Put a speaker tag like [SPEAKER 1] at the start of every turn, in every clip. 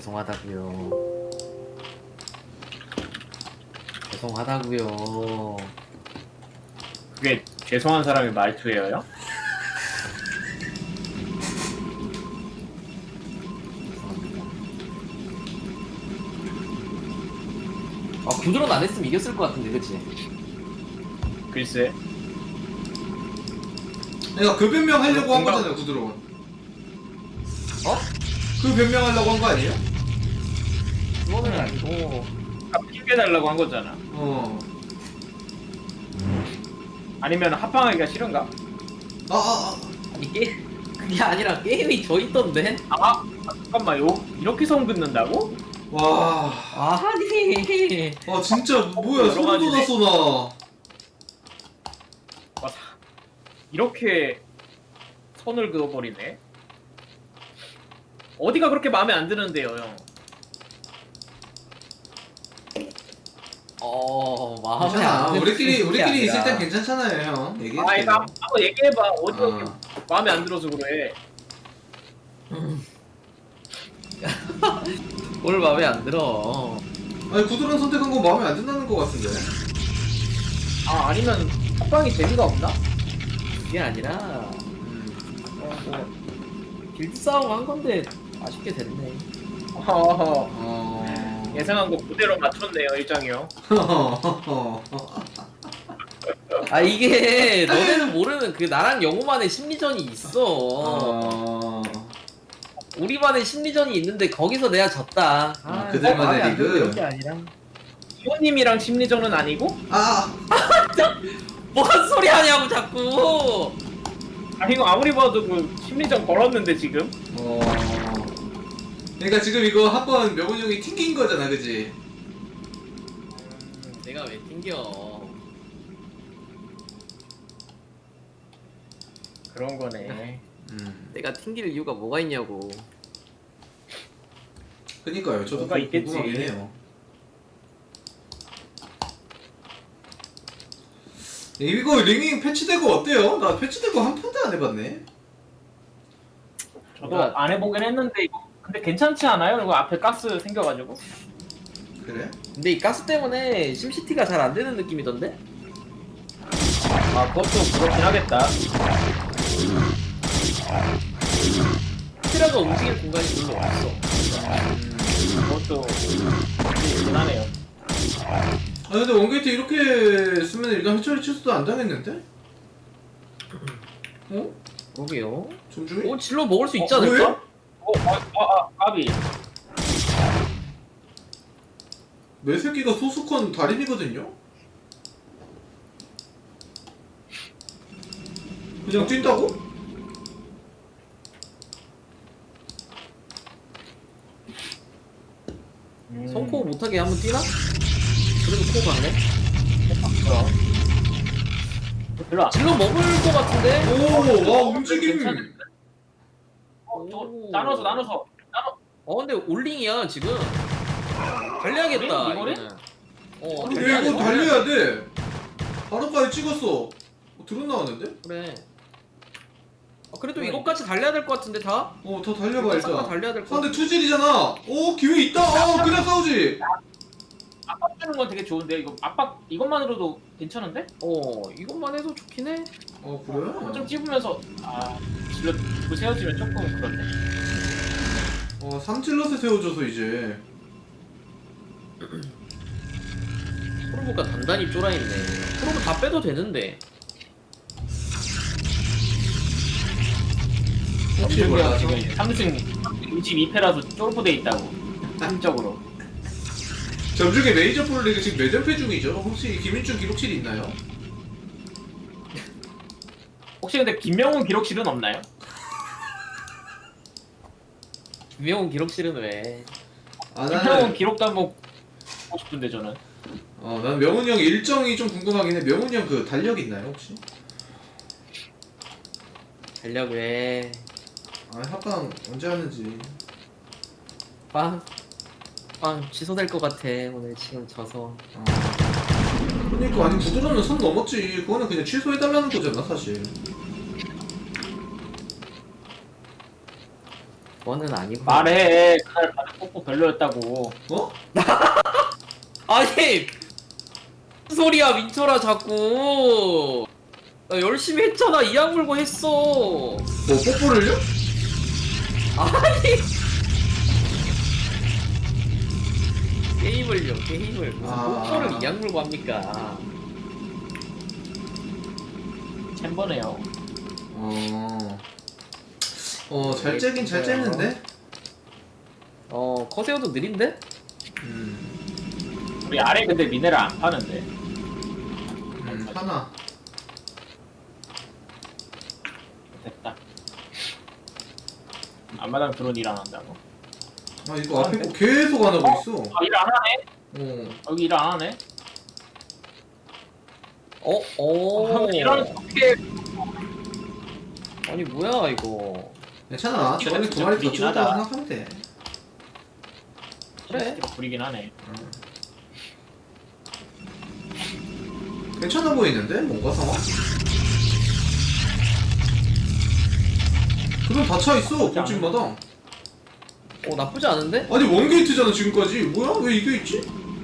[SPEAKER 1] 죄송하다고요. 죄송하다고요.
[SPEAKER 2] 그게 죄송한 사람의 말투예요?
[SPEAKER 1] 아 구드론 안 했으면 이겼을 것 같은데, 그치?
[SPEAKER 2] 글쎄.
[SPEAKER 3] 내가 그 변명 하려고 한
[SPEAKER 2] 공감-
[SPEAKER 3] 거잖아요, 구드론.
[SPEAKER 1] 어?
[SPEAKER 3] 그 변명 하려고 한 거 아니에요?
[SPEAKER 1] 그거는 아니고.
[SPEAKER 2] 핑계달라고 한 거잖아.
[SPEAKER 3] 어.
[SPEAKER 2] 아니면 합방하기가 싫은가?
[SPEAKER 1] 아니 그게 아니라 게임이 져 있던데?
[SPEAKER 2] 아 잠깐만 이렇게 성 긋는다고?
[SPEAKER 3] 와.
[SPEAKER 1] 아니.
[SPEAKER 3] 아, 진짜, 뭐야,
[SPEAKER 2] 여러
[SPEAKER 3] 소름
[SPEAKER 2] 가지네.
[SPEAKER 3] 돋았어, 나.
[SPEAKER 2] 와, 이렇게 선을 그어버리네. 어디가 그렇게 마음에 안 드는데요, 형?
[SPEAKER 1] 마음에
[SPEAKER 3] 괜찮아.
[SPEAKER 1] 안 드는
[SPEAKER 3] 우리끼리
[SPEAKER 1] 게
[SPEAKER 3] 있을 땐
[SPEAKER 1] 아니라.
[SPEAKER 3] 괜찮잖아요, 형. 얘기해.
[SPEAKER 2] 아 이거 한번 얘기해봐. 어디가
[SPEAKER 3] 아.
[SPEAKER 2] 그렇게 마음에 안 들어서 그래?
[SPEAKER 1] 뭘 마음에 안 들어.
[SPEAKER 3] 아니, 구드론 선택한 거 마음에 안 든다는 거 같은데.
[SPEAKER 2] 아 아니면 합방이 재미가 없나?
[SPEAKER 1] 그게 아니라 길드 싸움 한 건데 아쉽게 됐네.
[SPEAKER 2] 예상한 거 그대로 맞췄네요, 일장이요.
[SPEAKER 1] 아 이게 너네는 모르는 그 나랑 영호만의 심리전이 있어. 우리만의 심리전이 있는데 거기서 내가 졌다.
[SPEAKER 3] 그들만의
[SPEAKER 1] 마음에 안
[SPEAKER 3] 리그?
[SPEAKER 1] 들고 이런 게 아니라.
[SPEAKER 2] 희원님이랑 심리전은 아니고?
[SPEAKER 1] 뭔 소리 하냐고 자꾸.
[SPEAKER 2] 아 이거 아무리 봐도 그 심리전 걸었는데 지금?
[SPEAKER 3] 그러니까 지금 이거 한번 명훈 형이 튕긴 거잖아, 그지?
[SPEAKER 1] 내가 왜 튕겨?
[SPEAKER 2] 그런 거네.
[SPEAKER 1] 내가 튕길 이유가 뭐가 있냐고.
[SPEAKER 3] 그니까요, 저도
[SPEAKER 2] 뭐가 있겠지.
[SPEAKER 3] 궁금하긴 해요. 이거 링잉 패치되고 어때요? 나 패치되고 한 판도 안 해봤네.
[SPEAKER 2] 저도 안 해보긴 했는데 이거 근데 괜찮지 않아요? 이거 앞에 가스 생겨가지고.
[SPEAKER 3] 그래?
[SPEAKER 1] 근데 이 가스 때문에 심시티가 잘 안 되는 느낌이던데?
[SPEAKER 2] 아 그것도 그렇긴 하겠다.
[SPEAKER 1] 스티라가 움직일 공간이 별로 없어.
[SPEAKER 2] 그것도 대단하네요.
[SPEAKER 3] 아 근데 원게이트 이렇게 쓰면 일단 해처리 취소도 안 당했는데? 어?
[SPEAKER 1] 그러게요.
[SPEAKER 3] 점중이?
[SPEAKER 1] 질러 먹을 수 있지
[SPEAKER 3] 왜?
[SPEAKER 1] 않을까?
[SPEAKER 2] 까비.
[SPEAKER 3] 내 새끼가 소수컨 달인이거든요? 그냥 뛴다고?
[SPEAKER 1] 성코 못하게 한번 뛰나? 그래도 코 가네?
[SPEAKER 2] 별로 안.
[SPEAKER 1] 질러 먹을 것 같은데?
[SPEAKER 3] 오! 와 움직임!
[SPEAKER 2] 괜찮은데? 저 나눠서.
[SPEAKER 1] 근데 올링이야 지금. 달려야겠다.
[SPEAKER 2] 올링? 이거를?
[SPEAKER 1] 이거는.
[SPEAKER 3] 근데 이거 달려야 돼! 바로까지 찍었어. 드론 나왔는데?
[SPEAKER 1] 그래. 그래도 이것까지 달려야 될 것 같은데 다?
[SPEAKER 3] 더 달려봐
[SPEAKER 1] 싹 다
[SPEAKER 3] 일단.
[SPEAKER 1] 달려야 될 것
[SPEAKER 3] 상대
[SPEAKER 1] 같아.
[SPEAKER 3] 투질이잖아. 오 기회 있다. 그냥 싸우지.
[SPEAKER 2] 압박 주는 건 되게 좋은데 이거 압박 이것만으로도 괜찮은데?
[SPEAKER 1] 이것만 해도 좋긴 해.
[SPEAKER 3] 그래?
[SPEAKER 2] 좀 찝으면서 질러 들고 세워지면 조금 그렇네.
[SPEAKER 3] 3찔럿에 세워줘서 이제.
[SPEAKER 1] 프로브가 단단히 쫄아있네. 프로브 다 빼도 되는데.
[SPEAKER 3] 혹시 몰라.
[SPEAKER 2] 지금 3승 22패라서 쫄부돼 있다고. 한적으로.
[SPEAKER 3] 점중에 메이저 프로리그 지금 몇 연패 중이죠? 혹시 김인준 기록실이 있나요?
[SPEAKER 2] 혹시 근데 김명훈 기록실은 없나요?
[SPEAKER 1] 김명훈 기록실은 왜?
[SPEAKER 2] 김명훈
[SPEAKER 3] 나는
[SPEAKER 2] 기록도 한번 보고 싶은데 저는.
[SPEAKER 3] 난 명훈이 형 일정이 좀 궁금하긴 해. 명훈이 형 그 달력 있나요 혹시?
[SPEAKER 1] 달력 왜?
[SPEAKER 3] 합방 언제 하는지.
[SPEAKER 1] 빵 취소될 것 같아. 오늘 지금 져서.
[SPEAKER 3] 그러니까 아니 구드론은 선 넘었지. 그거는 그냥 취소해달라는 거잖아 사실.
[SPEAKER 1] 그거는 아니고.
[SPEAKER 2] 말해. 그날 받은 뽀뽀 별로였다고.
[SPEAKER 3] 어?
[SPEAKER 1] 아니 무슨 소리야 민철아 자꾸. 나 열심히 했잖아. 이악 물고 했어.
[SPEAKER 3] 뭐 뽀뽀를요?
[SPEAKER 1] 아니 게임을요 게임을 무슨
[SPEAKER 3] 아.
[SPEAKER 1] 뽀뽀를 이악 물고 합니까?
[SPEAKER 2] 챔버네요.
[SPEAKER 3] 잘 째긴 잘 째는데?
[SPEAKER 1] 커세어도 느린데?
[SPEAKER 2] 우리 아래 근데 미네랄 안 파는데.
[SPEAKER 3] 하나.
[SPEAKER 2] 됐다. 앞마당 드론 일 안 한다고.
[SPEAKER 3] 아 이거 앞에 거 계속 안 하고 있어.
[SPEAKER 2] 아, 일 안 하네? 여기 일 안 하네?
[SPEAKER 1] 이런
[SPEAKER 2] 이런 어떻게
[SPEAKER 1] 아니 뭐야 이거.
[SPEAKER 3] 괜찮아.
[SPEAKER 2] 진짜
[SPEAKER 3] 저번에 두 마리 더
[SPEAKER 2] 부리긴
[SPEAKER 3] 찍었다고
[SPEAKER 2] 하다.
[SPEAKER 3] 생각하면 돼.
[SPEAKER 1] 그래.
[SPEAKER 2] 부리긴 하네.
[SPEAKER 3] 괜찮아 보이는데? 뭔가 상황? 그럼 다 차 있어 본집마다.
[SPEAKER 1] 나쁘지 않은데?
[SPEAKER 3] 아니 원게이트잖아 지금까지. 뭐야? 왜 이게 있지?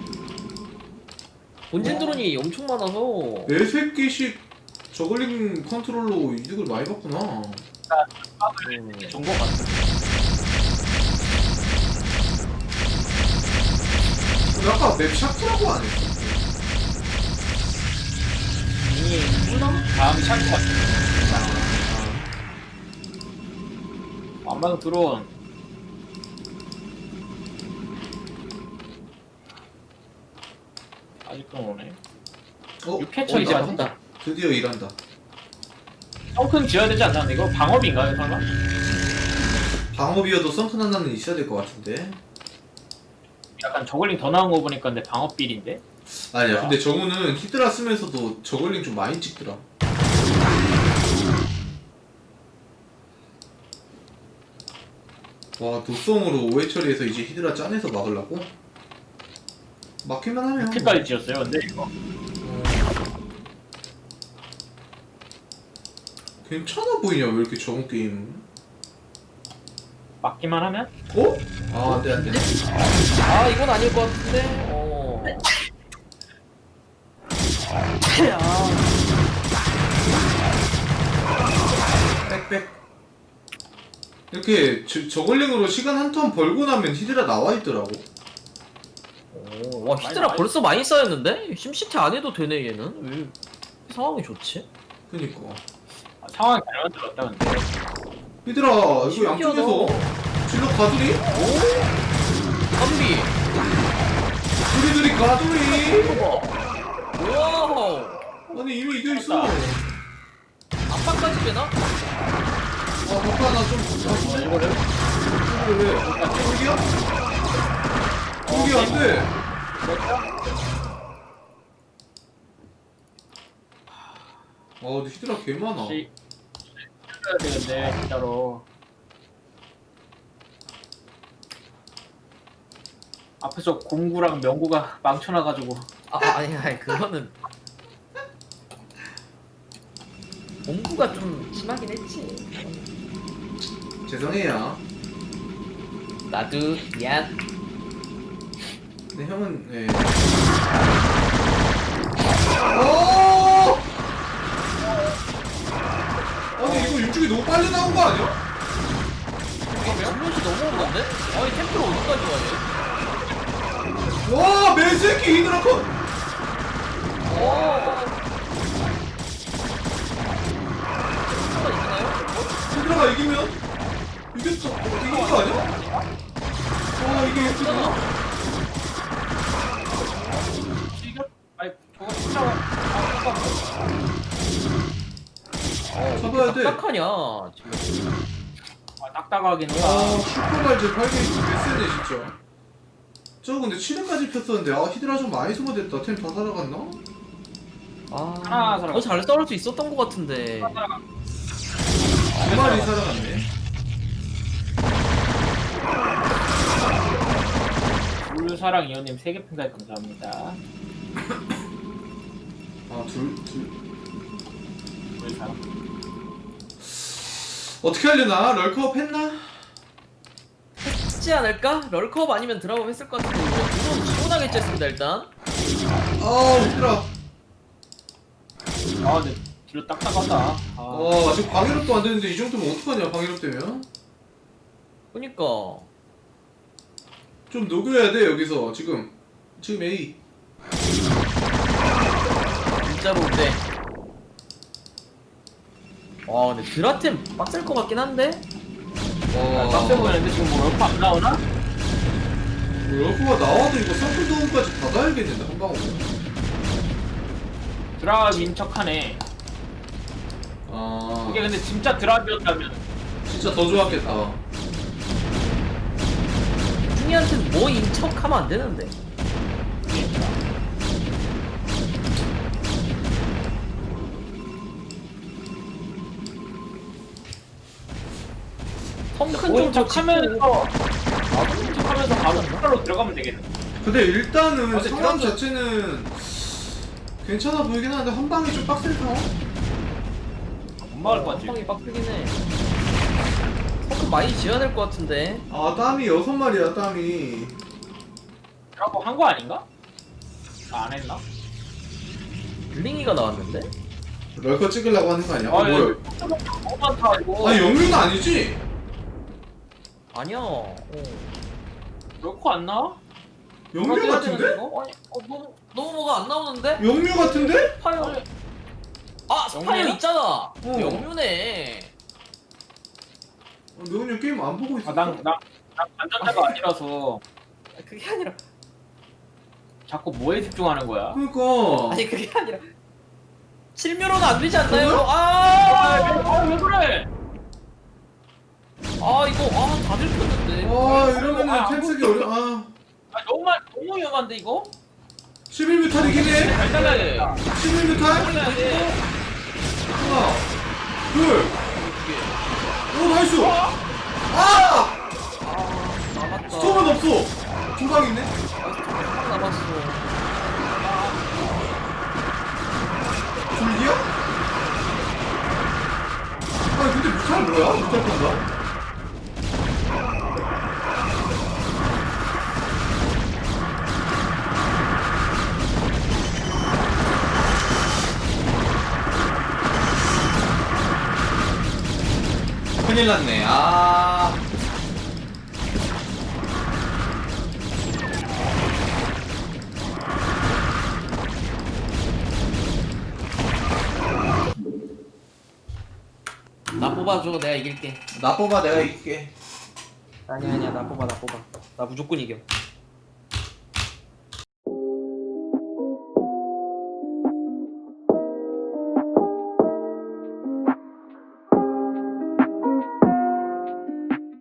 [SPEAKER 1] 본진 드론이 엄청 많아서.
[SPEAKER 3] 네 새끼씩 저글링 컨트롤로 이득을 많이 봤구나.
[SPEAKER 2] 좋은 거 같아.
[SPEAKER 3] 근데 아까 맵 샤프라고 안 했어?
[SPEAKER 2] 다음 샷것 같아. 앞마당 드론. 아직도 오네. 6회차 이제
[SPEAKER 1] 맞다.
[SPEAKER 2] 왔다.
[SPEAKER 3] 드디어 일한다.
[SPEAKER 2] 덩큰 지어야 되지 않나? 이거 방업인가요, 설마?
[SPEAKER 3] 방어비어도 썬큰 하나는 있어야 될 것 같은데.
[SPEAKER 2] 약간 저글링 더 나온 거 보니까 근데 방업 빌인데?
[SPEAKER 3] 아니야 근데 정우는 히드라 쓰면서도 저글링 좀 많이 찍더라. 와 도성으로 오해 처리해서 이제 히드라 짜내서 막으려고? 막힐만 하면
[SPEAKER 2] 6회까지 지었어요, 근데 이거.
[SPEAKER 3] 괜찮아 보이냐 왜 이렇게 정우 게임.
[SPEAKER 2] 막기만 하면?
[SPEAKER 3] 어? 아 안돼 안돼.
[SPEAKER 1] 이건 아닐 것 같은데.
[SPEAKER 3] 빽빽. 이렇게 저글링으로 시간 한 턴 벌고 나면 히드라 나와 있더라고.
[SPEAKER 1] 와 히드라 벌써 많이 쌓였는데? 심시티 안 해도 되네 얘는. 왜 상황이 좋지?
[SPEAKER 3] 그니까.
[SPEAKER 2] 상황이 잘 만들었다, 근데.
[SPEAKER 3] 히드라 이거
[SPEAKER 1] 신기하다.
[SPEAKER 3] 양쪽에서 질러 가두리?
[SPEAKER 1] 한비.
[SPEAKER 3] 두리두리 가두리.
[SPEAKER 1] 와우.
[SPEAKER 3] 아니 이미 이겨 있어.
[SPEAKER 1] 압박까지 되나?
[SPEAKER 3] 바빠 나좀
[SPEAKER 2] 이거를?
[SPEAKER 3] 왜? 여기야? 여기 안 돼. 근데 히드라 개 많아.
[SPEAKER 2] 혹시 해야 되는데, 진짜로. 앞에서 공구랑 명구가 망쳐놔가지고.
[SPEAKER 1] 아니 그거는 공부가 좀 심하긴 했지.
[SPEAKER 3] 죄송해요.
[SPEAKER 1] 나도 미안.
[SPEAKER 3] 근데 형은 예. 오! 아니 이거 육중이 너무 빨리 나온 거 아니야?
[SPEAKER 1] 질럿이 너무 오는데? 아니 템플 어디까지 가냐?
[SPEAKER 3] 와 매새끼 히드라 컷! 히드라가 이기면 이겼어. 이긴 거 아니야? 와 이게 히드라.
[SPEAKER 2] 아니, 저거 진짜.
[SPEAKER 3] 잡아야 돼.
[SPEAKER 1] 딱하냐 지금.
[SPEAKER 2] 딱딱하긴
[SPEAKER 3] 와
[SPEAKER 2] 하다.
[SPEAKER 3] 슈퍼발즈 8게이트 개쎄네 진짜. 저 근데 7회까지 폈었는데 히드라 좀 많이 소모됐다. 템 다 살아갔나?
[SPEAKER 2] 하나 살아갔어.
[SPEAKER 1] 더 잘 싸울 수 있었던 것 같은데.
[SPEAKER 3] 두 마리 살아갔네.
[SPEAKER 2] 불사랑 이호님 3개 팬가입 감사합니다.
[SPEAKER 3] 둘.
[SPEAKER 2] 불사랑.
[SPEAKER 3] 어떻게 하려나? 럴컵 했나?
[SPEAKER 1] 했지 않을까? 럴컵 아니면 드랍업 했을 것 같은데 이거 이건 시원하게 쬐습니다 일단.
[SPEAKER 3] 아 힘들어.
[SPEAKER 2] 아 근데 뒤로 딱딱하다. 아.
[SPEAKER 3] 지금 방해롭도 안 되는데 이 정도면 어떡하냐 방해롭 되면.
[SPEAKER 1] 그니까
[SPEAKER 3] 좀 녹여야 돼 여기서 지금 A.
[SPEAKER 1] 진짜로 근데. 와 근데 드라템 빡셀 것 같긴 한데.
[SPEAKER 2] 빡세 보이는데 지금 뭐 럴프 안 나오나?
[SPEAKER 3] 러프가 나와도 이거 서클 도움까지 받아야겠는데 한 방으로.
[SPEAKER 2] 드랍인 척하네. 이게 근데 진짜 드랍이었다면
[SPEAKER 3] 진짜 더 좋았겠다.
[SPEAKER 1] 중이한테는 뭐 인척하면 안 되는데. 텅큰
[SPEAKER 2] 모인
[SPEAKER 1] 좀
[SPEAKER 2] 척하면서 모인 척하면서 바로 폭발로 들어가면 되겠네.
[SPEAKER 3] 근데 일단은
[SPEAKER 2] 근데
[SPEAKER 3] 상황
[SPEAKER 2] 드랍은-
[SPEAKER 3] 자체는 괜찮아 보이긴 하는데 한 방에 좀 빡셀 상황?
[SPEAKER 2] 못 막을 것 같지.
[SPEAKER 1] 텅이 빡세긴 해. 텅큰 많이 지어야 될 것 같은데.
[SPEAKER 3] 땀이 6마리야 땀이.
[SPEAKER 2] 드랍 한거 아닌가? 안 했나?
[SPEAKER 1] 블링이가 나왔는데?
[SPEAKER 3] 럴커 찍으려고 하는 거 아니야?
[SPEAKER 2] 아,
[SPEAKER 3] 뭐야?
[SPEAKER 2] 너무 많다 이거.
[SPEAKER 3] 아니 영유는 아니지?
[SPEAKER 1] 아니야.
[SPEAKER 2] 럴코 안 나와?
[SPEAKER 3] 영유
[SPEAKER 1] 해야
[SPEAKER 3] 같은데?
[SPEAKER 1] 되는데, 이거? 아니, 너무 뭐가 안 나오는데?
[SPEAKER 3] 영유 같은데?
[SPEAKER 1] 스파이어. 아 스파이어
[SPEAKER 2] 영유야?
[SPEAKER 1] 있잖아. 영유네.
[SPEAKER 3] 영유 게임 안 보고 있어.
[SPEAKER 2] 난 안전자가 아니라서
[SPEAKER 1] 그게 아니라.
[SPEAKER 2] 자꾸 뭐에 집중하는 거야?
[SPEAKER 3] 그러니까.
[SPEAKER 1] 아니 그게 아니라. 실묘로는 안 되지 않나요?
[SPEAKER 3] 그래요?
[SPEAKER 2] 왜 그래?
[SPEAKER 1] 이거 다들 켰는데.
[SPEAKER 3] 이러면은
[SPEAKER 2] 안
[SPEAKER 3] 템 쓰기
[SPEAKER 2] 보이지?
[SPEAKER 3] 어려.
[SPEAKER 2] 너무 위험한데 이거?
[SPEAKER 3] 11뮤탈이긴 해.
[SPEAKER 2] 잘 잘라야겠다.
[SPEAKER 3] 11뮤탈?
[SPEAKER 2] 해야 돼.
[SPEAKER 3] 하나, 둘. 오 나이스.
[SPEAKER 1] 남았다.
[SPEAKER 3] 스톰은 없어. 두 방 있네.
[SPEAKER 1] 남았어.
[SPEAKER 3] 둘기야? 근데 뮤탈 뭐야? 뮤탈 건가? 큰일 났네.
[SPEAKER 1] 나 뽑아줘. 내가 이길게.
[SPEAKER 3] 나 뽑아 내가 이길게.
[SPEAKER 1] 아니야 나 뽑아. 나 무조건 이겨.